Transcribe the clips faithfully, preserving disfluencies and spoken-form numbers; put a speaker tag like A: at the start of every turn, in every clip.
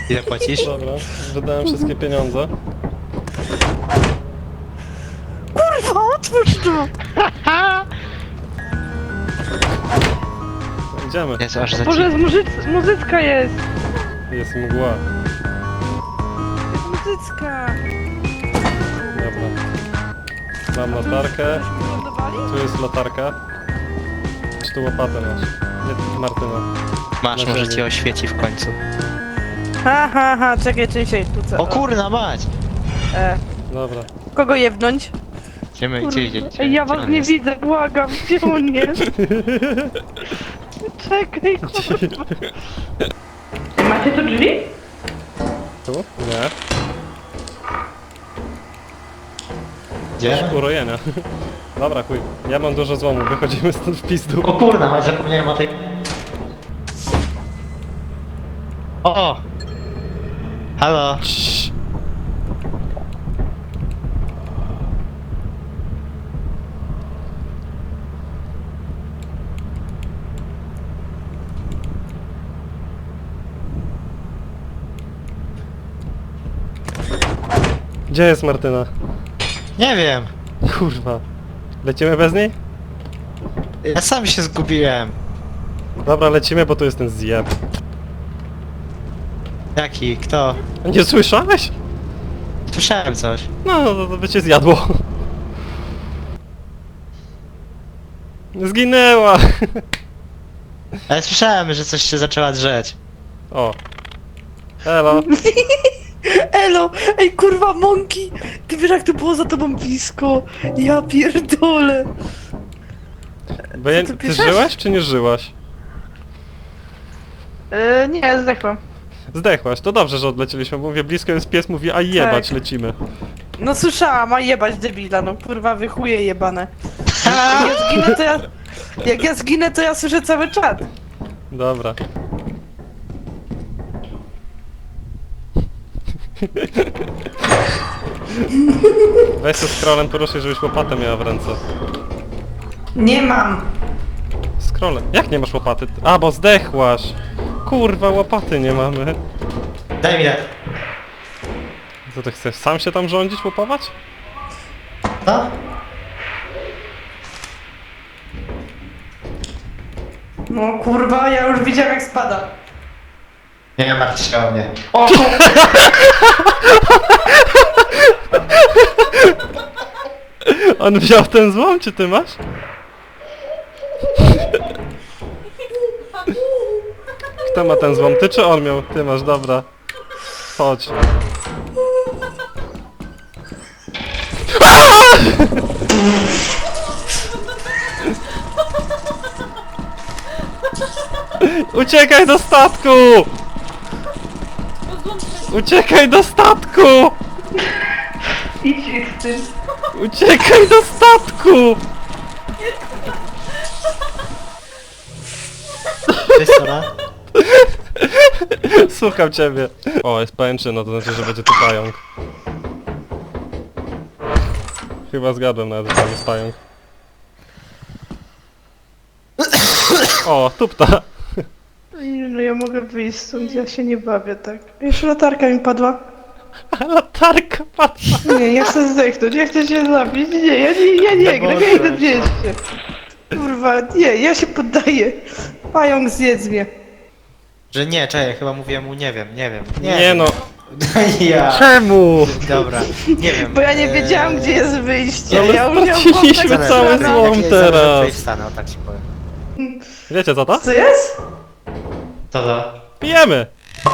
A: Ile płacisz?
B: Dobra, wydałem wszystkie pieniądze.
C: Kurwa, otwórz to!
B: Idziemy.
A: Jezu, aż za
C: Boże, muzyc muzycka jest!
B: Jest mgła.
C: Jest muzycka!
B: Dobra. Mam latarkę.
C: Lądowali?
B: Tu jest latarka. Czy tu łopatę masz? Nie, Martyna.
A: Masz,
B: na
A: może
B: ziemi.
A: cię oświeci w końcu.
C: Ha, ha, ha, czekaj, czekaj, czekaj, tu co?
A: O kurna mać!
C: E,
B: Dobra.
C: kogo jebnąć?
A: Idziemy,
C: Kurwa.
A: gdzie idziecie?
C: Ej, ja
A: Gdzie
C: was
A: on
C: nie
A: jest?
C: widzę, błagam, gdzie on jest? Czekaj, kurwa. Macie tu drzwi?
B: Tu? Nie.
A: Gdzie?
B: Urojenia. Dobra, chuj. Ja mam dużo złomu, wychodzimy stąd w pizdu.
A: O kurna mać, zapomniałem o tej... O! Halo!
B: Cii. Gdzie jest Martyna?
A: Nie wiem!
B: Kurwa. Lecimy bez niej?
A: Ja sam się zgubiłem.
B: Dobra, lecimy, bo tu jest ten zjeb.
A: Jaki? Kto?
B: Nie słyszałeś?
A: Słyszałem coś.
B: No, no to by cię zjadło. Zginęła!
A: Ale słyszałem, że coś się zaczęła drzeć.
B: O. Elo.
C: Elo! Ej, kurwa, Monki! Ty wiesz, jak to było za tobą blisko? Ja pierdolę!
B: Bo ja,
C: Co ty
B: ty
C: piszesz?
B: żyłaś czy nie żyłaś?
C: E, nie, zdechłam.
B: Zdechłaś, to dobrze, że odlecieliśmy. Mówię, blisko jest pies, mówi, a jebać,
C: Tak.
B: lecimy.
C: No słyszałam, a jebać debila, no kurwa, wy chuje jebane. Jak ja zginę, to ja... Jak ja zginę, to ja słyszę cały czat.
B: Dobra. Weź się scrollem poruszaj, żebyś łopatę miała w ręce.
C: Nie mam.
B: Scrollem. Jak nie masz łopaty? A, bo zdechłaś. Kurwa, łopaty nie mamy.
A: Daj mi tak.
B: Co ty chcesz, sam się tam rządzić, łopować?
A: No?
C: No kurwa, ja już widziałem jak spada.
A: Nie martw się o mnie.
C: O,
B: On wziął ten złom, czy ty masz? Kto ma ten złom? Ty czy on miał? Ty masz, dobra. Chodź. Uciekaj do statku! Uciekaj do statku!
C: idź z tym.
B: Uciekaj do statku!
A: Cześć, Sora.
B: Słucham ciebie. O, jest pajęczyna, to znaczy, że będzie tu pająk. Chyba zgadłem nawet, że tam jest pająk. O, tupta.
C: No ja mogę wyjść stąd, ja się nie bawię tak. Jeszcze latarka mi padła.
B: A latarka padła.
C: Nie, ja chcę zdechnąć, ja chcę się zabić. Nie, ja nie, ja nie gram, ja idę zjeść się. Kurwa, nie, ja się poddaję. Pająk zjedz mnie.
A: Że nie, czekaj, chyba mówiłem mu nie wiem, nie wiem.
B: Nie no,
A: Ja.
B: czemu?
A: Dobra, nie wiem.
C: Bo ja nie
A: eee,
C: wiedziałam, gdzie jest wyjście.
B: Ale
C: Ja już miałam
B: straciliśmy
C: kontakt z
B: cały
C: panem.
B: złom
A: jak-
B: teraz.
A: zaraz tutaj wstanę, o tak ci powiem.
B: Wiecie co to?
C: Co jest?
A: To to.
B: Pijemy!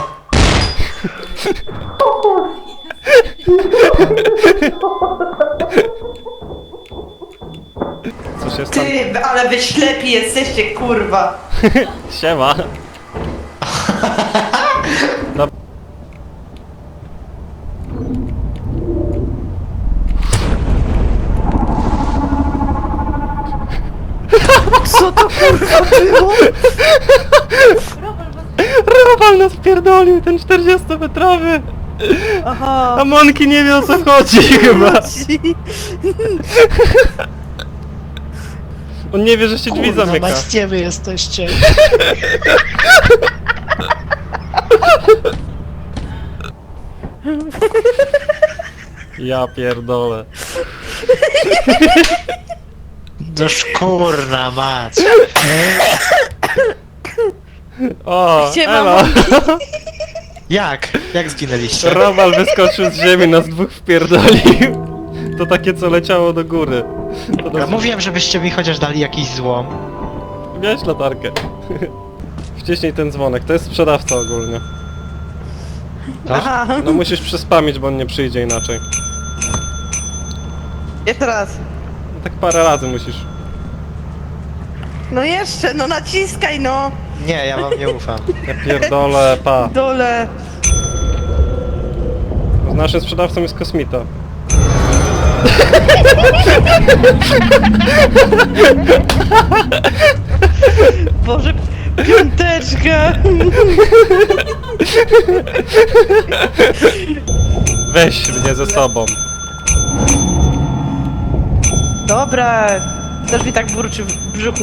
B: Cóż jest tam?
C: Ty, ale wy ślepi jesteście, kurwa.
B: Siema. Dob-
C: Co to kurwa było?
B: Robal nas pierdolił, ten czterdziestometrowy!
C: Aha.
B: A Monki nie wie o co chodzi chyba. On nie wie, że się drzwi zamyka.
A: Gdzie wy jesteście?
B: Ja pierdolę.
A: No szkurna mać.
B: O,
C: Gdzie
B: elo.
C: mamo?
A: Jak? Jak zginęliście?
B: Robal wyskoczył z ziemi, nas dwóch wpierdolił. To takie, co leciało do góry. To
A: Ja
B: nas...
A: mówiłem, żebyście mi chociaż dali jakiś złom.
B: Miałeś latarkę. Wciśnij ten dzwonek, to jest sprzedawca ogólnie.
C: Aha.
B: No musisz przyspamić, bo on nie przyjdzie inaczej.
C: Jeszcze raz.
B: No, tak parę razy musisz.
C: No jeszcze, no naciskaj no!
A: Nie, ja wam nie ufam.
B: Ja pierdolę, pa.
C: Dole.
B: Z naszym sprzedawcą jest kosmita.
C: Boże, piąteczka!
B: Weź mnie ze sobą.
C: Dobra, też mi tak burczy w brzuchu.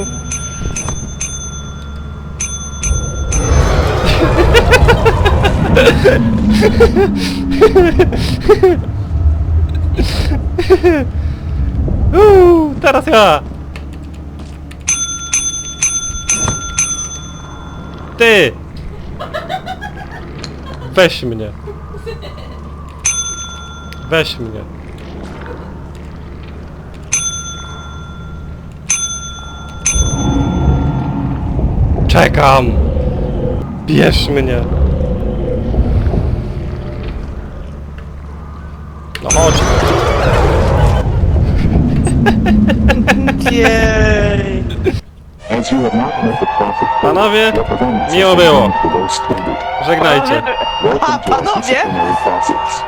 B: Uuu, teraz ja! Ty! Weź mnie. Weź mnie. Czekam! Bierz mnie! No chodź!
C: Jej!
D: As you have not met the profit
B: Panowie,
D: representatives
B: miło było.
D: for those tended.
B: Żegnajcie.
D: Welcome
C: A,
D: to our
C: panowie?
D: disciplinary process.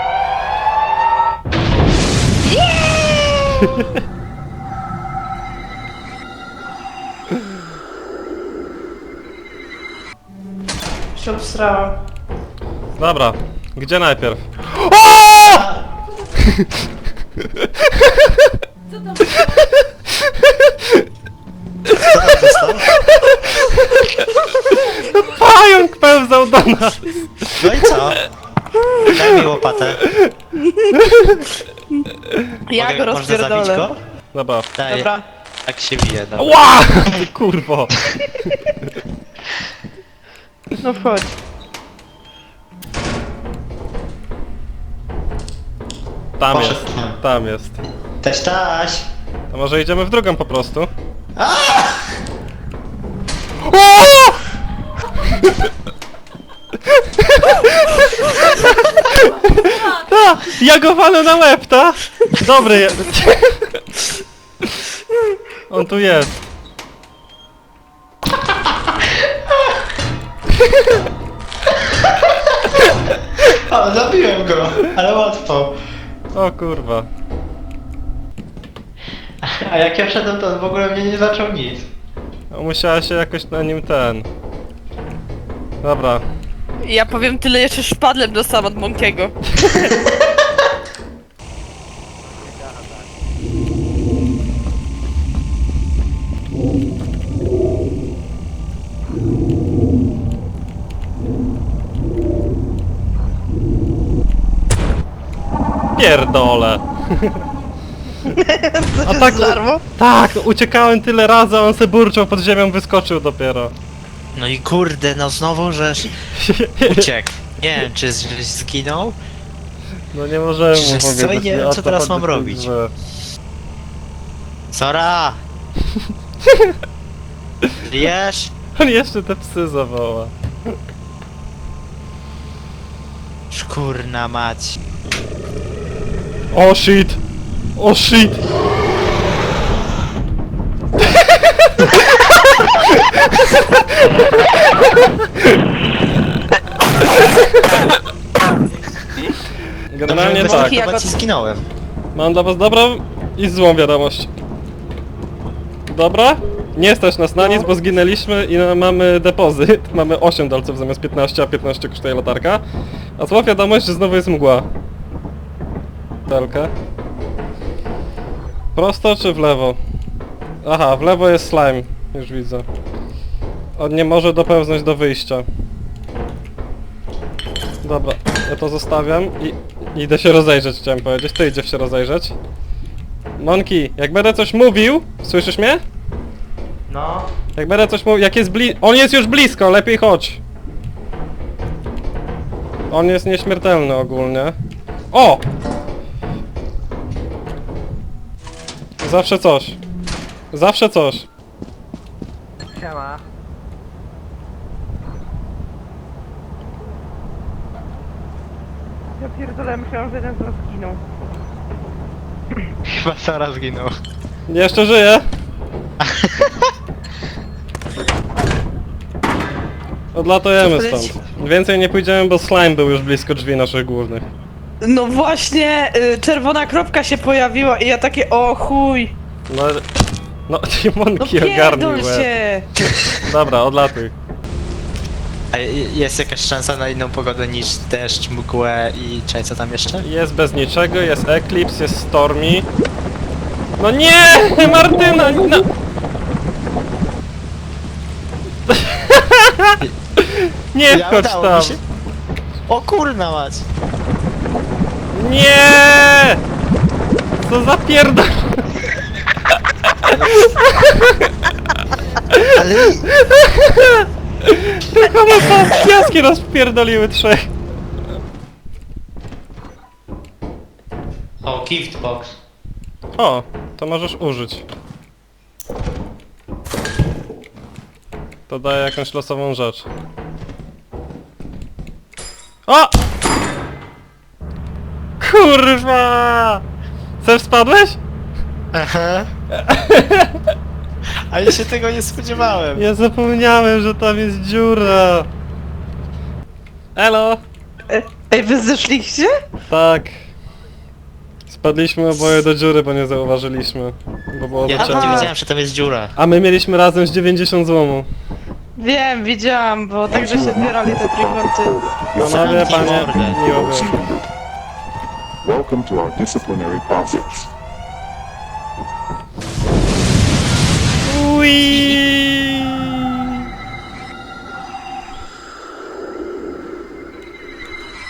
C: Się obstrałam.
B: Dobra, gdzie najpierw? Pająk pełzał do nas!
A: No i co? Daj mi łopatę.
C: Ja
A: Mogę-
C: go
A: Można zabić
C: rozpierdolę.
A: go?
B: Dobra.
A: Daj.
C: Dobra.
A: Tak się bije, dobra.
B: Ła! Ty kurwo!
C: No wchodź.
B: Tam
A: Poszedł
B: jest,
A: tam.
B: tam jest.
A: Też taś.
B: To może idziemy w drugą po prostu? Ta! Ja go walę na łeb, ta! Dobry jest. On tu jest.
A: O, zabiłem go, ale łatwo.
B: O kurwa.
A: A jak ja wszedłem, to on w ogóle mnie nie zaczął nic.
B: No, musiała się jakoś na nim ten... Dobra.
C: Ja powiem tyle, jeszcze szpadlem dostałam od Monkiego.
B: Pierdolę. A tak,
C: Zarmo?
B: tak, uciekałem tyle razy, a on se burczał pod ziemią, wyskoczył dopiero.
A: No i kurde, no znowu żeś uciekł. Nie wiem, czy z- żeś zginął?
B: No nie możemy mu
A: Wiesz co,
B: powiedzieć.
A: nie wiem,
B: o
A: co
B: to
A: teraz
B: chodzi,
A: mam
B: to jest
A: robić.
B: złe.
A: Sora! Żyjesz?
B: On jeszcze te psy zawoła.
A: Szkurna mać.
B: O shit! O shit! Generalnie
A: Dobrze,
B: tak.
A: bez
C: jak
A: akrobacji
C: od-
A: zginąłem.
B: Mam dla was dobrą i złą wiadomość. Dobra? Nie stać nas na nic, bo zginęliśmy i na- mamy depozyt. Mamy osiem dolców zamiast piętnaście, a piętnaście kosztuje latarka. A zła wiadomość, że znowu jest mgła. Telkę. Prosto czy w lewo? Aha, w lewo jest slime. Już widzę. On nie może dopełznąć do wyjścia. Dobra, ja to zostawiam i idę się rozejrzeć, chciałem powiedzieć. Ty idziesz się rozejrzeć. Monki, jak będę coś mówił, słyszysz mnie?
A: No.
B: Jak będę coś mówił, jak jest bli... On jest już blisko, lepiej chodź. On jest nieśmiertelny ogólnie. O! Zawsze coś. Zawsze coś.
A: Siema.
C: Ja pierdolę, myślałam, że jeden z nas zginął.
A: Chyba Sara zginął.
B: Jeszcze żyje. Odlatujemy stąd. Więcej nie pójdziemy, bo slime był już blisko drzwi naszych głównych.
C: No właśnie, y, czerwona kropka się pojawiła i ja takie, o chuj.
B: No... No,
C: No
B: Monki ogarnij
C: pierdol
B: łeb.
C: się.
B: Dobra, odlatuj.
A: A jest jakaś szansa na inną pogodę niż deszcz, mgłę i czekaj, co tam jeszcze?
B: Jest bez niczego, jest Eclipse, jest Stormy. No nie! Martyna! No. Nie
A: Ja
B: wchodź
A: udało
B: tam!
A: mi się. O kurna mać!
B: Nie! Co za pierdol...
A: Ale...
B: Tylko my po piaski nas wpierdoliły trzech.
A: O, gift box.
B: O, to możesz użyć. To daje jakąś losową rzecz. O! Kurwa! Sam spadłeś?
A: Aha. A ja się tego nie spodziewałem.
B: Ja zapomniałem, że tam jest dziura. Elo!
C: E, Ej, wy zeszliście?
B: Tak. Spadliśmy oboje do dziury, bo nie zauważyliśmy. Bo było
A: Ja
B: za
A: nawet nie
B: ciemno.
A: wiedziałem, że tam jest dziura.
B: A my mieliśmy razem z dziewięćdziesiąt złomu.
C: Wiem, widziałam, bo także się zbierali te trójkąty.
B: Panowie,
A: Zamknij
B: panie,
A: mordę.
B: miło było.
D: Welcome to our disciplinary process.